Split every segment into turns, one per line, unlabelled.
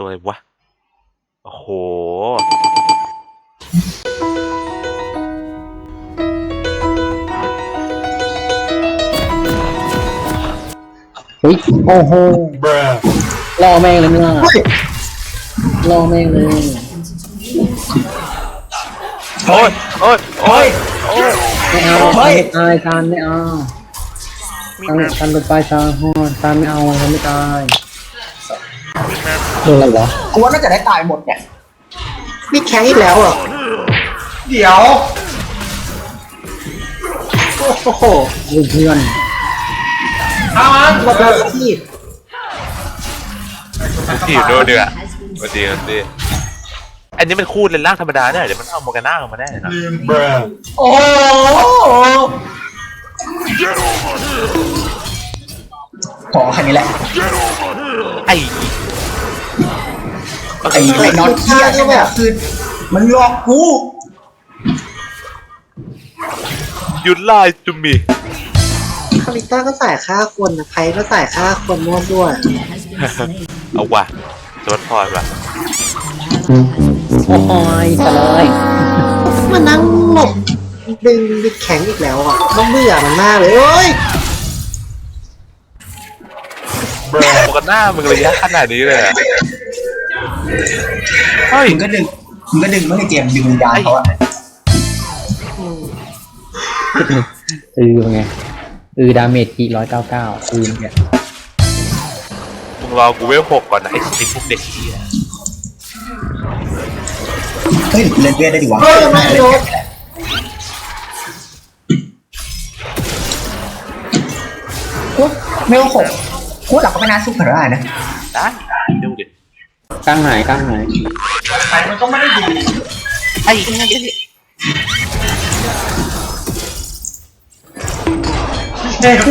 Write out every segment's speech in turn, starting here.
ตัวอะไรวะโอ้โห
เฮ้ยโอ้โหรอแม่งเลยเนี่ยรอแม่งเลย
โอ้ยโอ้ยโอ้ยโอ้ย
ไม่เอาไม่ตายตานไม่เอาตานลงไปตาฮอนตานไม่เอาตานไม่ตายโดนอะไรวะ
กูว่าน่าจะได้ตายหมดเนี่ย
มีแข็งอีกแล้วเหรอ
เดี๋ยว
โอ้โหเพื่อน
เอามัน
หมดแล้วที่
ที่อยู่ด้วยเดือดมาดีมาดีอันนี้มันคู่เลนล่างธรรมดาเนี่ยเดี๋ยวมันเอาโมกาน่าออกมาแน่นะ
โอ้โหขอแค่นี้แหละ
ไอ้
ไอ้น็อตเทียใช่ไหมคือมันหลอกกู
ยุดไล่จุมี
คาริต้าก็ใส่ค่าคนนะใครก็ใส่ค่าคนมั่วซั่ว
เอาว่ะสวัสดิ์พรว่ะ
โอ้ยจะเลยมานั่งหลบดึงบิดแข็งอีกแล้วอ่ะต้องเบื่อมันมากเลยเอ้ย
โมกาน่ามึงระยะขนาดนี้เลยอะเฮ้ย
มึงก็ดึงไม่ให้เจมส์ดึงวิญญาณเขาอะ
ไงดาเมจที่199เนี่ย
มึงรอกูเวล6ก่อนนะไอ้พวกเด็กเหี้ย
เฮ้ยเล่นเวทได้ดิวะ
ไม่โดน
กูไม่ว่าผมกูหลักก็ไม่น่าสู้ขนาดนั้นนะ
ได้ดูดิ
กลางหาย
ใครมันก็ไม่ได้ดี
ไอ้
เฮ้ย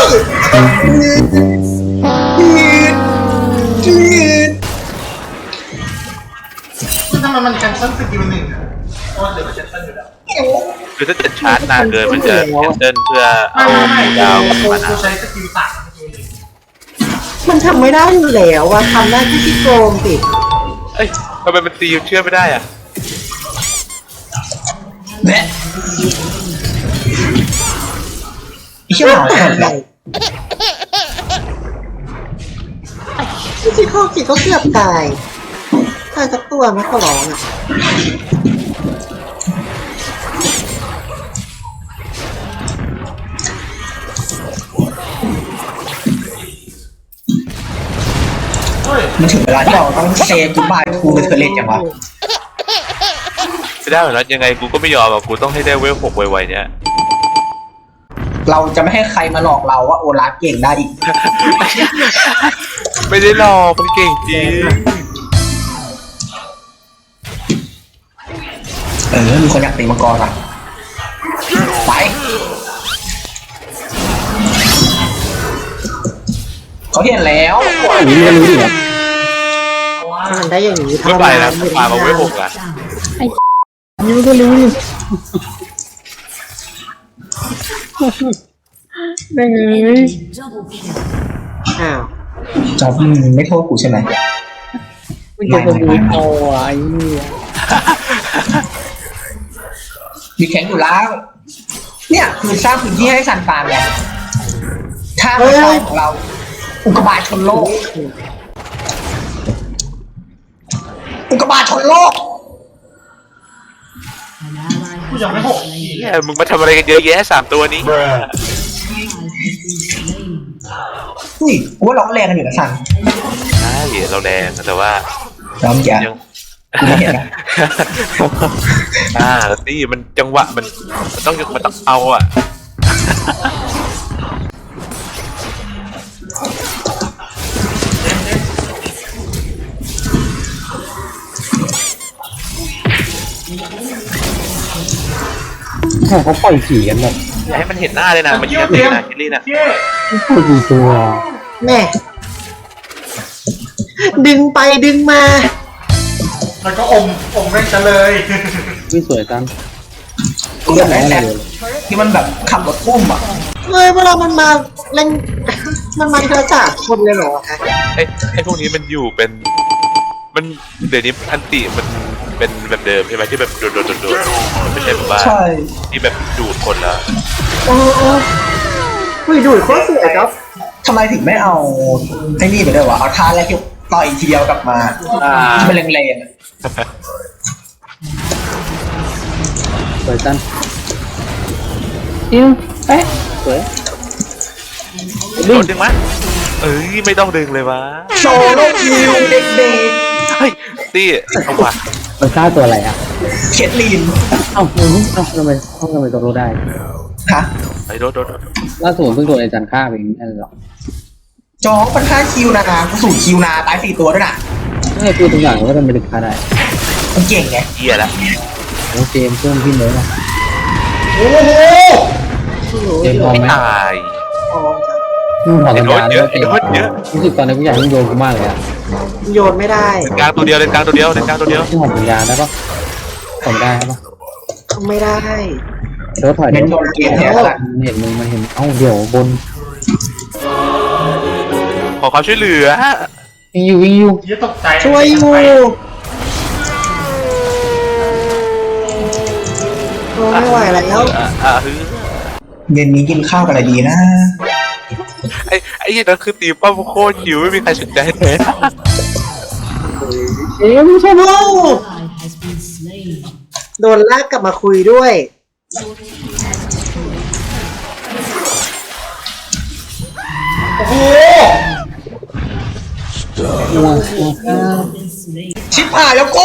ทำไมมันแคนเซิลสกิลหนึ่งอ่ะเพราะเดี๋ยวมันแคนเซิลอยู่แล้ว
คือถ้าจะชาร์จนานเกินมันจะแคนเซิลเพื่อเอาดาวมานะ
กูใช้สกิลต่างสกิลหนึ่ง
มันทำไม่ได้อยู่แล้วอะทำได้ที่ที่โกงสิ
เอ้ยทำไมมันตีเชื่อไม่ได้อ่ะ
เนี่ยไอ้เชี่ยหมาแข็งเลย
ที่ข้อกี่ก็เกือบตายสักตัวไม่ขอร้องอะ
มันถึงเวลาที่เราต้องเซฟกูบายทูกับเธอเล่นจังวะ
ไม่ได้หรอกนะยังไงกูก็ไม่ยอมอ่ะกูต้องให้ได้เวล6ไวๆเนี้ย
เราจะไม่ให้ใครมาหลอกเราว่าโอลาฟเก่งได้อีก
ไม่ได้หรอกมันเก่งจริง
มีคนอยากตีมังกรอ่ะไปเขาเห็นแล้ว
อย่างนี้ก็รู้ดิครับมันได้อย่างนี้
ไม่ไปแล้วมาเวล6อ่ะ
อันนี้มันก็รู้ดิได้ไงอ้าว
จอบไม่โทษกูใช่ไหม
มันจะเป็นรู้เอาไอ้นี่
มีแข็งอยู่แล้ว เนี่ยคือสร้างพื้นที่ให้ซันฟาร์มไงถ้าไม่ใช่ของเรา อุกกาบาตชนโลก อุกกาบาตชนโลก
เฮียมึงมาทำอะไรกันเยอะแยะ3ตัวนี้
อุ้ยกูว่าร้องแรงกันอยู่นะซัน
ใช่เราแรงแต่ว่า
ร้องแก
ยัง
กูไม่เห็นนะ
แล้วนี่มันจังหวะมันต้องเอาอ่ะ
เขาปล่อยผีกันแบบ
อย่าให้มันเห็นหน้าเลยนะมันยิงกันตีนะคิลลี่นะ
ปล่อยผีตัวแม่ดึงไปดึงมา
แล้วก็อมแม่งจะเลย
ไม่สวยจัง
กูอยากได้แซดที่มันแบบขับรถพุ่มอ่ะ
เฮ้ยเวลามันมาเล่นมันมาทีละ3 คนเลยเหรอคะ
ไอ้พวกนี้มันอยู่เป็นเดี๋ยวนี้อันติมันเป็นแบบเดิมใช่ไหมที่แบบโดดมันไม่ใช่แบบว่า
ใช่
ที่แบบดูดคนแล้ว
โอ้โหอุ้ยดูดโคตรสวยครับ
ทำไมถึงไม่เอาไอ้นี่ไปด้วยวะเอาท่าแรกที่ต่อยทีเดียวกลับมาที่มันแรงๆอะ
สวยจังเป๊ะสวย
โดดดึงมั้ยเอ้ยไม่ต้องดึงเลยวะ
โซโล่คิวเด็ก
เฮ้ยตี้เอาว่ะ
มันฆ่าตัวอะไรอ่ะ
ๆเคทลีน
เอ้าทำไมตัวรู้ได้
ฮะ
ไอ้โดด
ล่าสุดเพิ่งโดนอาจารย์ฆ่าไปนั่นหรอ
จองมันฆ่าคิวนะกูสูตรคิวนาตาย4 ตัวด้วยนะ
ไม่พูดทุกอย่างว่าทำไมถึงฆ่าได้
มันเก่งไง
เหี้ยละ
โอ้เจมเพิ่มขึ้นเลยนะ
โอ้โห
เจมพร้อมไหม
ตาย
พร้อมจ้ะ
ถอด
ไอ้
สัญ
โดด
ญา
เย
แล้
อะ
ว
ไอ้
เจม
โดดเยอะ
รู้สึกตอนนี้กูอยากให้โยนกูมากเลยอ่ะ
โยนไม่ได้
กลางตัวเดียวเล่นกลางตัวเดียวเล่นกลางตัวเดียว
ที่ถอดสัญญาได้ปะถอดได้ปะ
ทำไม่ได้
เดี๋ยวถอย
เน้นโดนเกมแทนละ
มันเห็นมันเห็นเอ้าเดี๋ยวบน
ขอความช่วยเหลือ
วิ่งอยู่
เหี้ยตกใจ
ช่วยอยู่โอ้ไม่ไหวแล้ว
ฮือ
เย็นนี้กินข้าวกันอะไรดีนะ
ไอ้ยี่นั่นคือตีป้อมโคตรหิวไม่มีใครสนใจเลย
เอ๊ะไม่ใช่ปะ
โดนลากกลับมาคุยด้วย
โอ้โห
ชิบหายแล้วกู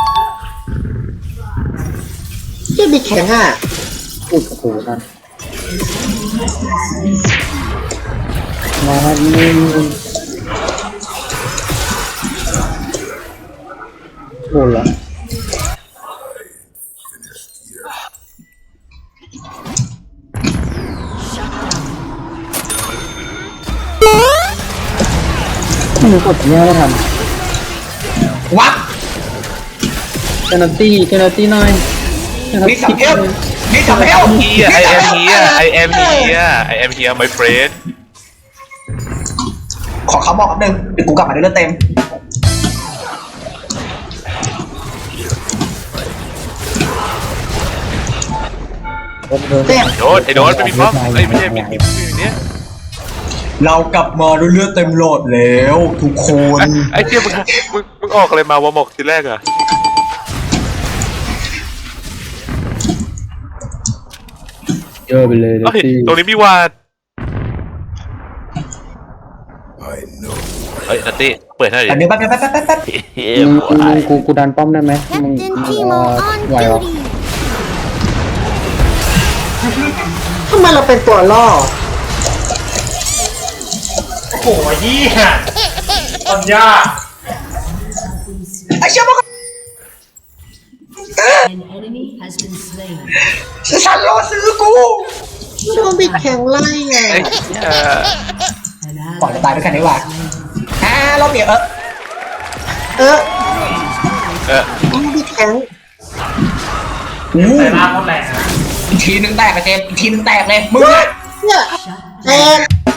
ที่มีแข็งอ่ะ
พูดกับกูนั่นมานี่โดนละไม่รู้กดเนี่ยไม่ทัน
วับ
เจนตี้หน่อย
มีสับเอลมีสับเอล
เฮีย I am here I am here I am here my friend
ขอเขาบอกแป๊บนึงเดี๋ยวกูกลับมาด้วยเลือดเต็ม
เจ็บ
โดนไอ้โดนไม่มีป้อมไอ้ไม่ใช่มีเนี้ย
เรากลับมาด้วยเลือดเต็มโหลดแล้วทุกคน
ไอ้เจี๊ยมึงออกอะไรมาวะหมกทีแรกอะ
เยอะไปเลย
เฮ้ยตรงนี้มีวาดเฮ้ยนัตตี้เปิดให้หน่
อัน
อย
นี้แป๊บ
กูดันป้อมได้ไหมมึง
Captain Timo on
ไหวหรอ
duty.
ทำไมเราเป็นตัวล่อ
โอ้โหเหี้ยปัญญา
ไอ้เชี่ยมัน
An enemy has been slain.
ฉันรอซื้อกู
โดนบิดแข็งไล่ไง
ไอ้
An
ปล่อย
ally
จะตายด้วยกันดีกว่าเราเปลี่ยน
เออ
เออ
โดนบิดแข็ง
ใส่ล่างเขาแรงนะ
อีกทีนึงแตกอะเจมอีกทีนึงแตกเลยมึงอะ
เนี่ยแตก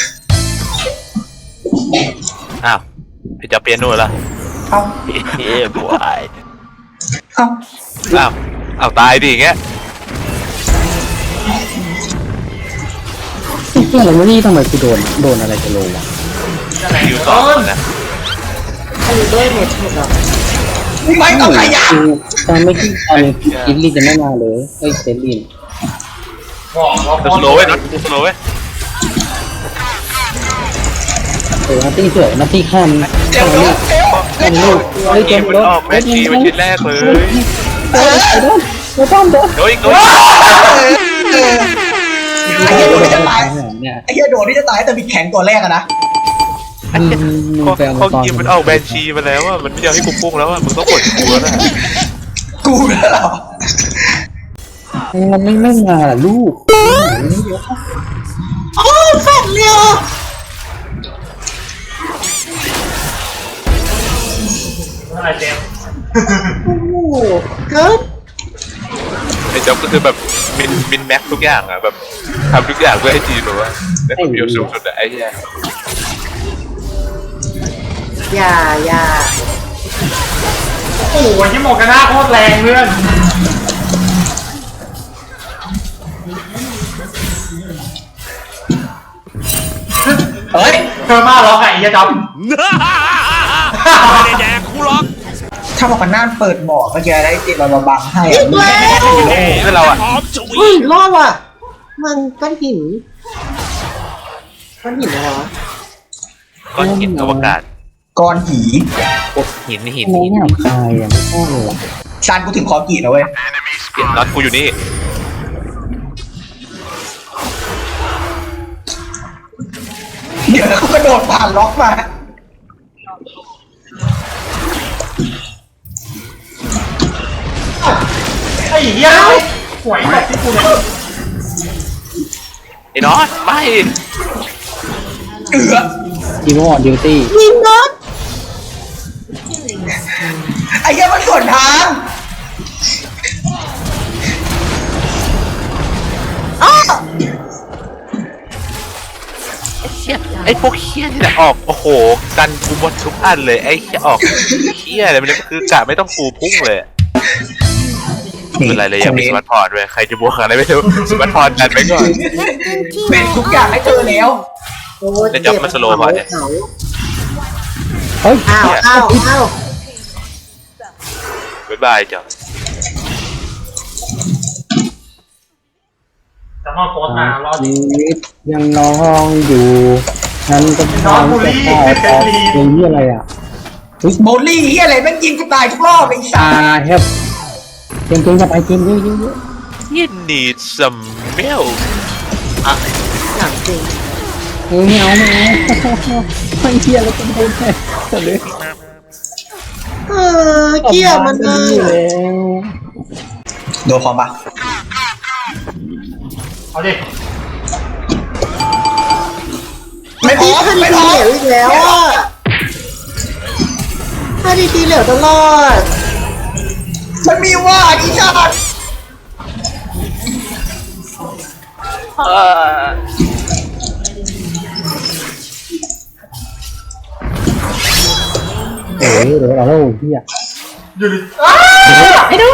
อ้าวไอ้จะเปียโน่ละ
เอา
เฮ้ยบวย
เอา
อ้าวตายดิอย่างเงี้ย
เพื่อนเรานี่ทำไมกูโดนอะไรจะโลวะ
คิวสองนะ
คือด้วยเน็ตเหรอ
ไม่ต้องขยับ
ตอนไม่คิดตอนคิดลีจะไม่มาเลยเฮ้ยเซรีน
บอกเรา
ดูสโลว์ไว้น็อตดูสโลว์ไว้
นัตตี้สวยนัตตี้ข้าม
เดี๋ยว
ลูก
เดี๋ยว
ลูกเฮ้ย
เก
เจ
ม
ม
มัน
รถ
ออกแมตช์ชีเป็นชิ้นแรกเลย
เดี๋ยวป้อมเดี๋ยว
โดย
ไอ้เหี้ยโดนที่จะตาย
เนี่ย
ไอ้เหี้ยโดนที่จะตายแต่บิดแข็งตัวแรกอะนะ
มึงไปเอา
เขา
ตอน
เกมมันออกแบนชีมาแล้วอ่ะมันไม่ยอมให้กูพุ่งแล้วอ่ะมึงต้องกดกูแล้วนะ
กูแล้วเหรอ
มันไม่มาล่ะลูก
โอ้แฟนเร็ว
อะไรเจมส์
โอ้โหเกิด
ไอ้จ๊อบก็คือแบบมินแม็กทุกอย่างอ่ะแบบทำทุกอย่างเพื่อให้ทีมแบบว่าได้ผลประโยชน์สูงสุดอะไอ้เหี้ย
อย่า
โอ้โหที่โมกาน่าโคตรแรงเพื่อน
เฮ้ย
เธอมาล็อกไอ้ยะดำ
ไม่ได้แดกกูหรอก
ถ้าบอกกันน่านเปิดบ่อเมื่อกี้ได้ติดมาบังให้
อี
อะ
กแล้ว
เพื่อนเราอ่ะ
หอมฉุย
เฮ้ยรอดว่ะ มันก้อนหินก้อนหินอะไรวะ
ก้อนหินอวกาศ
ก้อนหี
หินหิน
ทำไมเนี่ยใครอ่ะไม่ชอบเลยอะ
ซานกูถึงคอกีนะเว้ย
น็อตกูอยู่นี่
เดี๋ยวเขากระโดดผ่านล็อกมา
ไอ้เหี้ยหวยตกที่กูเนี่ย
ไอ้น็อตไม่
เอือ
ทีมออนดิวตี้
ยิงน็อต
ไอ้เหี้ยมันสวนทาง
อ้อ
ไอ้พวกเฮี้ยนี่แหละออกโอ้โหกันกูหมดทุกอันเลยไอ้เฮี้ยออกเฮี้ยอะไรมันคือกะไม่ต้องกูพุ่งเลยไม่เป็นไรเลยยังมีสมาร์ทพอร์ตด้วยใครจะบวกอะไรไม่รู้สมาร์ทพอร์ตดันไปก่อน
เป็นทุกอย่างให้เธอแล้ว
โอ้ย
แล้วจับมันสโลว์พอเนี่ย
เหงา
เฮ้ย
อ้าวอ้าวอ้าว
บ๊ายบายจ้ะ
จะมาโพสต์มารอ
ชีวิตยังน้องอยู่ฉันก็พร้อมจะเข้าออกเป็นที่อะไรอ่ะ
โบลี่เหี้ยอะไรแม่งยิงกูตายทุกรอบไอ้สั
เฮฟเกมจะไปเกมเยอะ
You need some milk
หนังจริง
ไม่เอาไม่เที่ยแล้วก็ไม่ได้เลย
เกลียดมันเลย
โดนคอมปะ
เอาดิ
ไม่พ
ตี
อ
ทัน
ไม่
ที
พอ
เหลวอีกแล้วอ่ะทันทีเหลวตลอด
มันมีว่าอีชาติ
เดี๋ยวเราพี่อ่ะ
อยู่ดิไอ้ดู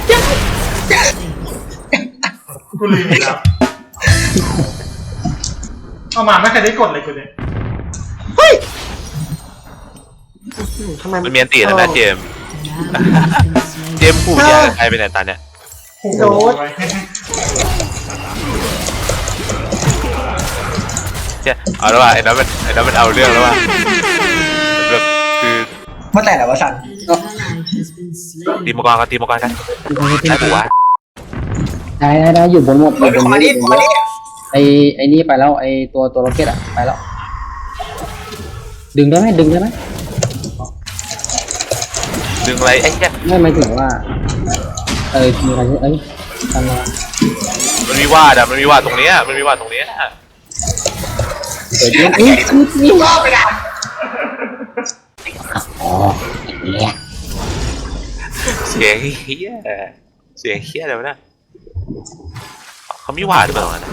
กูลืมอีกแล้วเอามาไม่เคยได้กดเลยกูเนี่ย
เฮ้ยทำไม
มันมีอันตีนะเจมส์เจมส์ผู้ยาใครไปไหนตอนเนี้ย
โดด
เนี่ยเอาแล้วว่ะไอ้นั้นมันเอาเรื่องแล้วว่ะมันแบบคือ
มาแต่ไหนวะสัน
ตีมังกรกันตีมังกรกันได้ปะวะ
ได้อยู่บนหมด
เฮ้ยขอมาดิขอมาดิ
ไอ้นี่ไปแล้วไอ้ตัวโรเก็ตอ่ะไปแล้ว ดึงได้ไหม
ดึงอะไรไอ้เนี่ย
ไม่หมายถึงว่ามีอะไรทำอะไร
มันมีวาดอะมันมีวาดตรงเนี้ยมันมีวาดตรงเนี้ย
เดี๋ยวนี่
รอบไปนะ
อ๋อเนี่ย
เสียงเฮี้ยเสียงเฮี้ยอะไรวะเนี่ยเขามีวาดหรือเปล่าเนี่ย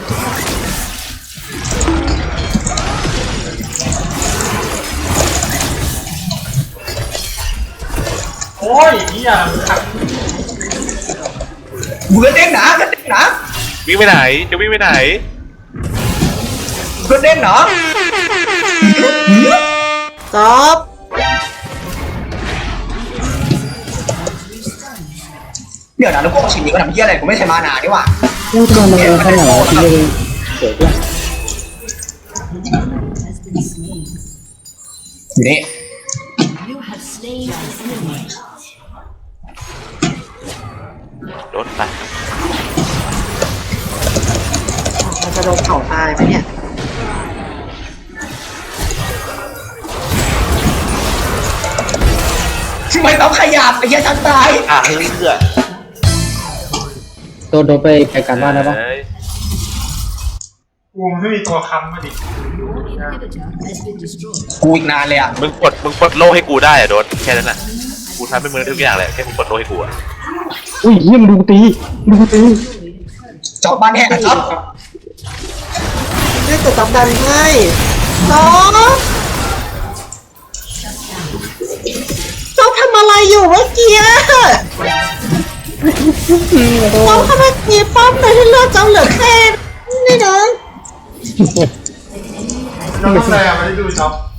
โอ้ยเหี้ยขัด
เบื่อเด้งหนาเด้งหนา
วิ่งไปไหนจะวิ่งไปไหน
เบื่อเด้งหนา
จอบ
เดี๋ยวนะแล้วพวกชิ้นนี้ก็ทำเหี้ยอะไรกูไม่ใช่มานาดีกว่า
พูดมาเลยขนาดที่เลยสวยด้วย
อยู่นี่
You have slain an enemy.
รถไป
มันจะโดนเผาตายไหมเนี่ย
ทำไมต้องขยับไอ้เหี้ยฉันตาย
เลือด
โดนไปการบ้านได้ปะ
กูไม่มีตัวค้ำมาดิ
Your inhibitor has been destroyed.
กูอีกนานเลยอ่ะ
มึงปลดโลให้กูได้อะโดนแค่นั้นน่ะกูทำให้มึงทุกอย่างเลยแค่มึงปลดโลให้กูอะ
อุ้ยเยี่ยมดูตี
จอบบ้านแหกครับ
ได้แต่จับดันให้จอบทำอะไรอยู่เมื่อกี้น้องทำไมตีป้อมเลยที่เลือดเจ้าเหลือแค่นี่นะ
น้องทำอะไรอ่ะไม่ได้ดูช็อป